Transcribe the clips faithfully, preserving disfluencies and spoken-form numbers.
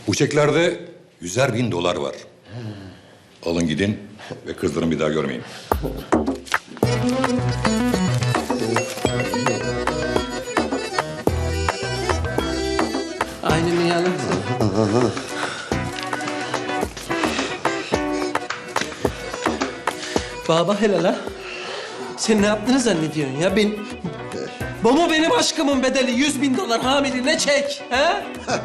Bu çeklerde yüzer bin dolar var. Alın gidin ve kızlarını bir daha görmeyin. Aynen yalım. Baba helal ha. Sen ne yaptığını zannediyorsun ya? Ben... Bu mu benim aşkımın bedeli? Yüz bin dolar hamiline çek. Ha?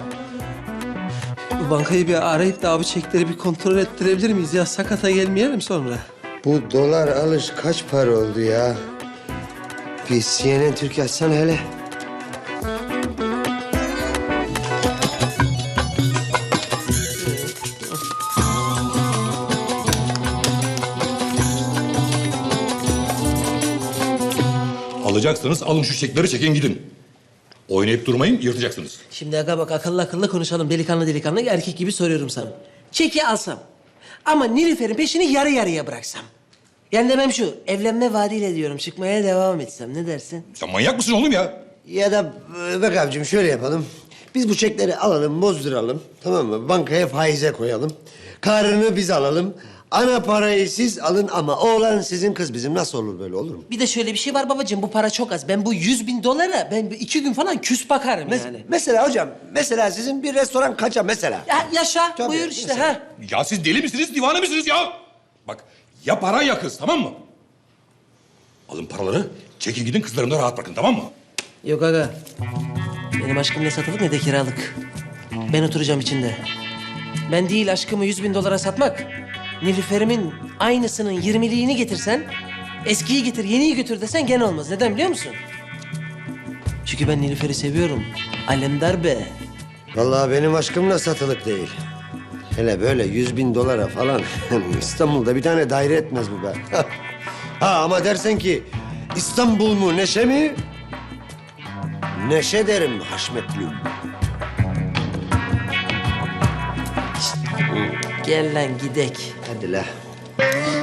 Bu bankayı bir arayıp da abi çekleri bir kontrol ettirebilir miyiz ya? Sakata gelmeyelim sonra. Bu dolar alış kaç para oldu ya? Bir C N N Türk açsana hele. Alacaksanız alın şu çekleri çekin gidin. Oynayıp durmayın, yırtacaksınız. Şimdi aga bak akıllı akıllı konuşalım. Delikanlı delikanlı erkek gibi soruyorum sana. Çeki alsam ama Nilüfer'in peşini yarı yarıya bıraksam. Yani demem şu, evlenme vaadiyle diyorum çıkmaya devam etsem. Ne dersin? Sen manyak mısın oğlum ya? Ya da e, bak abicim şöyle yapalım. Biz bu çekleri alalım, bozduralım. Tamam mı? Bankaya faize koyalım. Karını biz alalım. Ana parayı siz alın ama oğlan sizin, kız bizim. Nasıl olur, böyle olur mu? Bir de şöyle bir şey var babacığım, bu para çok az. Ben bu yüz bin dolara ben iki gün falan küs bakarım Mes- yani. Mesela hocam, mesela sizin bir restoran kaça mesela? Ya yaşa, Tabii, buyur işte mesela. ha. Ya siz deli misiniz, divane misiniz ya? Bak, ya para ya kız, tamam mı? Alın paraları, çekin gidin kızlarını da rahat bırakın, tamam mı? Yok aga, benim aşkım ne satılık ne de kiralık. Ben oturacağım içinde. Ben değil aşkımı yüz bin dolara satmak. Nilüfer'imin aynısının yirmiliğini getirsen... ...eskiyi getir, yeniyi götür desen gene olmaz. Neden biliyor musun? Çünkü ben Nilüfer'i seviyorum. Alemdar be. Vallahi benim aşkımla satılık değil. Hele böyle yüz bin dolara falan İstanbul'da bir tane daire etmez bu be. Ha ama dersen ki İstanbul mu Neşe mi? Neşe derim Haşmetli. Gel lan gidek. Hadi la.